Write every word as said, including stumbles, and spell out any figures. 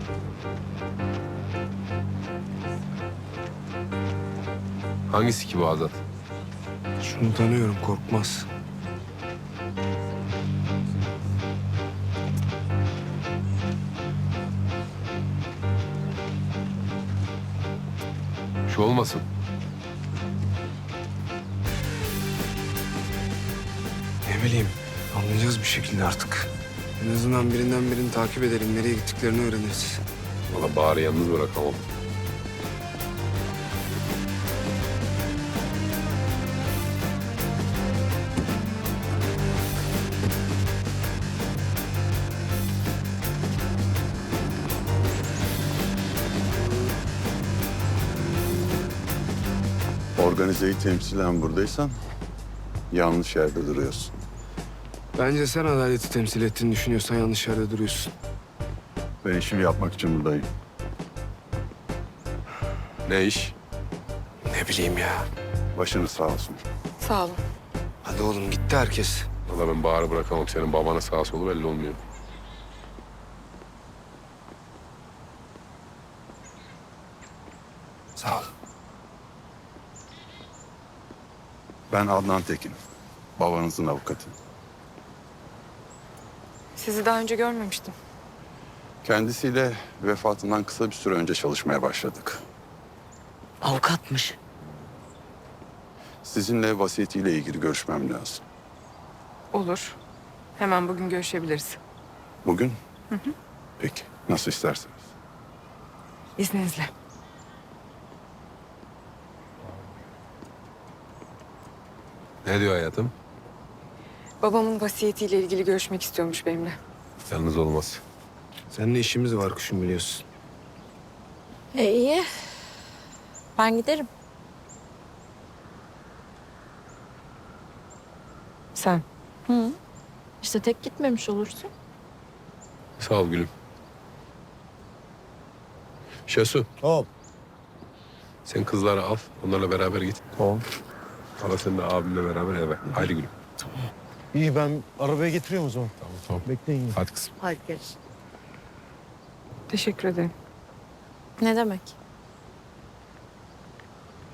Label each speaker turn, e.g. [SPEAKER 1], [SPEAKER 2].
[SPEAKER 1] Hangisi ki bu Azat?
[SPEAKER 2] Şunu tanıyorum, Korkmaz.
[SPEAKER 1] Şu olmasın.
[SPEAKER 2] Ne bileyim, anlayacağız bir şekilde artık. En azından birinden birini takip edelim, nereye gittiklerini öğreniriz.
[SPEAKER 1] Valla Bahar'ı yalnız bırakamam.
[SPEAKER 3] Organizeyi temsilen buradaysan yanlış yerde duruyorsun.
[SPEAKER 2] Bence sen adaleti temsil ettiğini düşünüyorsan yanlış yerde duruyorsun.
[SPEAKER 3] Ben işimi yapmak için buradayım.
[SPEAKER 1] Ne iş?
[SPEAKER 2] Ne bileyim ya.
[SPEAKER 3] Başınız sağ olsun.
[SPEAKER 4] Sağ olun.
[SPEAKER 2] Hadi oğlum, gitti herkes.
[SPEAKER 1] Valla ben Bahar'ı bırakamam. Senin babanın sağ solu belli olmuyor.
[SPEAKER 2] Sağ ol.
[SPEAKER 3] Ben Adnan Tekin. Babanızın avukatı.
[SPEAKER 4] Sizi daha önce görmemiştim.
[SPEAKER 3] Kendisiyle vefatından kısa bir süre önce çalışmaya başladık.
[SPEAKER 5] Avukatmış.
[SPEAKER 3] Sizinle vasiyetiyle ilgili görüşmem lazım.
[SPEAKER 4] Olur. Hemen bugün görüşebiliriz.
[SPEAKER 3] Bugün? Hı hı. Peki, nasıl isterseniz.
[SPEAKER 4] İzninizle.
[SPEAKER 1] Ne diyor hayatım?
[SPEAKER 4] Babamın vasiyetiyle ilgili görüşmek istiyormuş benimle.
[SPEAKER 1] Yalnız olmaz.
[SPEAKER 2] Seninle işimiz var kuşum, biliyorsun.
[SPEAKER 5] E iyi. Ben giderim.
[SPEAKER 4] Sen?
[SPEAKER 5] Hı. İşte tek gitmemiş olursun.
[SPEAKER 1] Sağ ol gülüm. Şesu.
[SPEAKER 6] Tamam.
[SPEAKER 1] Sen kızları al. Onlarla beraber git.
[SPEAKER 6] Tamam.
[SPEAKER 1] Hala sen de abimle beraber eve. Haydi gülüm.
[SPEAKER 6] İyi, ben arabaya getiriyorum o zaman.
[SPEAKER 1] Tamam tamam.
[SPEAKER 6] Bekleyin.
[SPEAKER 1] Hadi kızım.
[SPEAKER 5] Hadi gel.
[SPEAKER 4] Teşekkür ederim.
[SPEAKER 5] Ne demek?